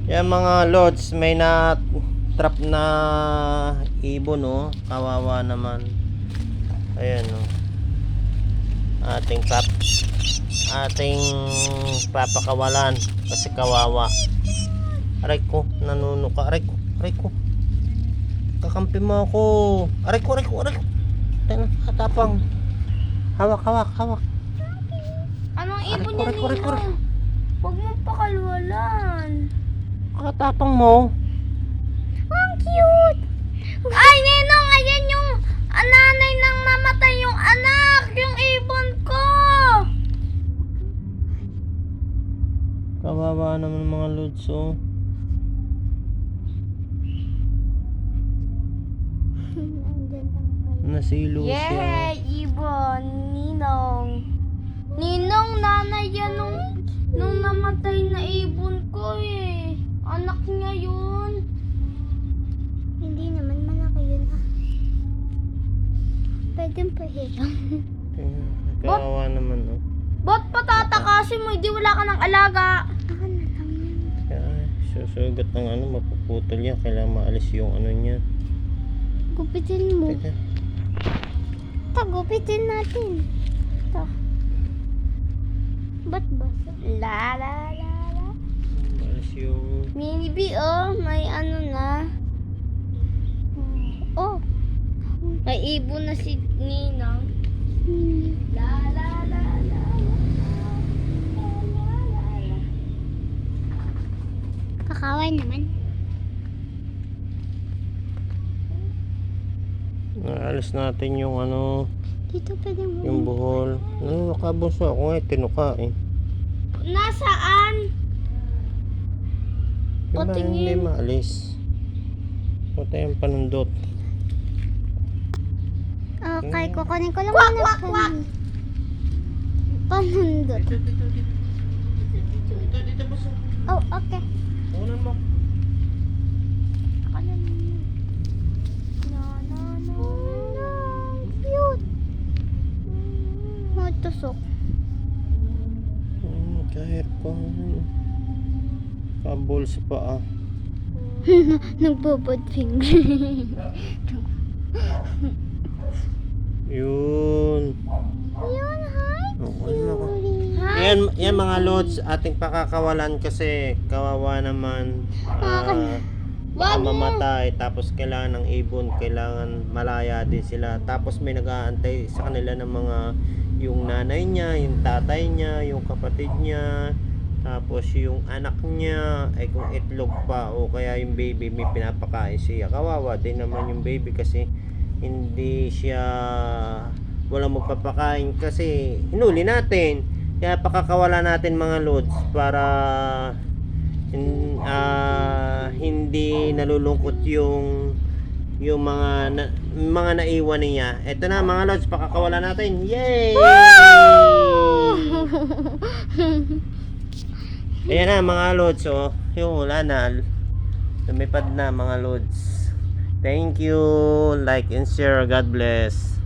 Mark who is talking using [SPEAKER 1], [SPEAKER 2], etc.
[SPEAKER 1] Yan mga lods, may na trap na ibon, no? Kawawa naman. Ayan, no? Ating papakawalan kasi kawawa. Aray ko, nanunuka. Aray ko. Kakampi mo ako. Aray ko. Tingnan, katapang. Hawak.
[SPEAKER 2] Anong ibon
[SPEAKER 1] Aray ko.
[SPEAKER 2] yan, Huwag mo pakalwalan.
[SPEAKER 1] Katapang mo.
[SPEAKER 2] Ang cute! Ay, Ninong! Ayan yung nanay nang namatay yung anak! Yung ibon ko!
[SPEAKER 1] Kawawa naman mga lods, oh. Nasilo siya.
[SPEAKER 2] Yay! Ibon! Ninong! Ninong, nanay yan nung namatay na ibon ko eh. Anak niya yun.
[SPEAKER 3] Hindi naman malaki yun Pwedeng pahiram.
[SPEAKER 1] Kawawa naman, oh.
[SPEAKER 2] Ba't patatakasin mo? Hindi wala ka ng alaga.
[SPEAKER 3] Ako na lang yan.
[SPEAKER 1] Kaya, susugat ng mapuputol yan. Kailangan maalis yung niya.
[SPEAKER 3] Gupitin mo.
[SPEAKER 1] Teka.
[SPEAKER 3] Gupitin natin. Ito. Ba't ba?
[SPEAKER 2] La.
[SPEAKER 1] Maalis yung...
[SPEAKER 2] Mini B, may ano na.
[SPEAKER 3] Oh.
[SPEAKER 2] May ibon na si Ninang. La.
[SPEAKER 3] Kakaway naman.
[SPEAKER 1] Naalis natin yung
[SPEAKER 3] Dito pwedeng
[SPEAKER 1] yung buhol. Nakabunso ako nga, tinuka eh.
[SPEAKER 2] Nasaan?
[SPEAKER 1] Diba
[SPEAKER 2] Patingin.
[SPEAKER 1] hindi maalis? Punta yung panundot.
[SPEAKER 3] Okay, kukunin ko lang
[SPEAKER 2] Kwak,
[SPEAKER 3] muna
[SPEAKER 2] kwak, kwak.
[SPEAKER 3] Panundot.
[SPEAKER 1] Dito boss.
[SPEAKER 3] Oh, okay.
[SPEAKER 1] Kunan mo.
[SPEAKER 3] Ako na muna. No. Cute. Tusok.
[SPEAKER 1] Kahit pa. Kabol sa paa.
[SPEAKER 3] Nagbobod finger.
[SPEAKER 1] Yun.
[SPEAKER 3] Yun, hi.
[SPEAKER 1] Okay na ako.
[SPEAKER 3] Hi.
[SPEAKER 1] Yan mga lods, ating pakakawalan kasi kawawa naman. Baka mamatay, tapos kailangan ng ibon, kailangan malaya din sila. Tapos may nag-aantay sa kanila ng mga yung nanay niya, yung tatay niya, yung kapatid niya, tapos yung anak niya, ay kung itlog pa o kaya yung baby may pinapakain siya. Kawawa din naman yung baby kasi hindi siya walang magpapakain kasi hinuli natin. Kaya pakakawala natin mga lods para hindi nalulungkot yung mga naiwan niya. Ito na mga lods, pakakawala natin. Yay! Ayan na mga lods, oh. Yung wala na. Lumipad na mga lods. Thank you. Like and share. God bless.